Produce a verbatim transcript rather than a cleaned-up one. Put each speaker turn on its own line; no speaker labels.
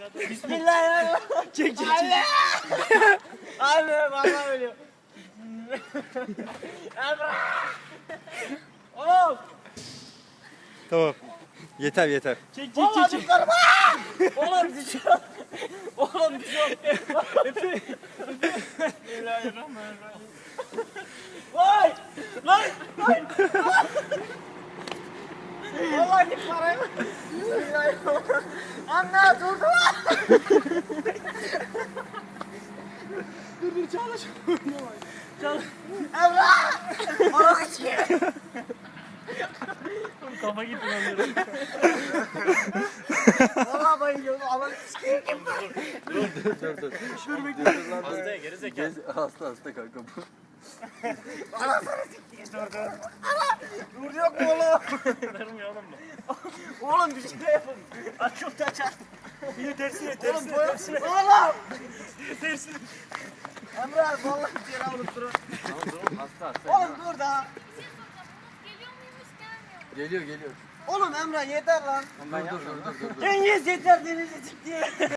Bismillahirrahmanirrahim.
Çek çek çek.
Anne vallahi ölüyor. Emrah. Oğlum.
Tamam. Yeter yeter.
Çek çek
Vallahi
çek. çek.
düşüyorum. Oğlum düşüyorum. Oğlum düşüyorum. Bismillahirrahmanirrahim. Vay! Lan! Lan! Vallahi git parayı. Bismillahirrahmanirrahim. Anne durdu.
Dur dur çağla çağla. Çağla.
Emrah! Bana kaçıyor.
Kafa gitti lan.
Vallahi bayılıyorum. Ama sikeyim kim bu?
Dur dur dur.
Dur bekle.
Hasta gerizekalı. Hasta hasta kanka bu.
Ana sana sikeyim. Dur dur. Ana! Dur yok mu oğlum?
Durmuyor oğlum bu.
Oğlum bir şey yapın. Açım taçar.
Yine tersine
Oğlum
tersine
boya.
tersine.
Oğlum!
Tersine.
Emrah vallahi bir yere alıp durun.
Tamam tamam hasta hasta.
Oğlum dur daha.
Geliyor muymuş gelmiyor mu?
Geliyor geliyor.
Oğlum Emrah yeter lan.
Dur dur dur dur dur.
Cengiz yeter denize çık diye.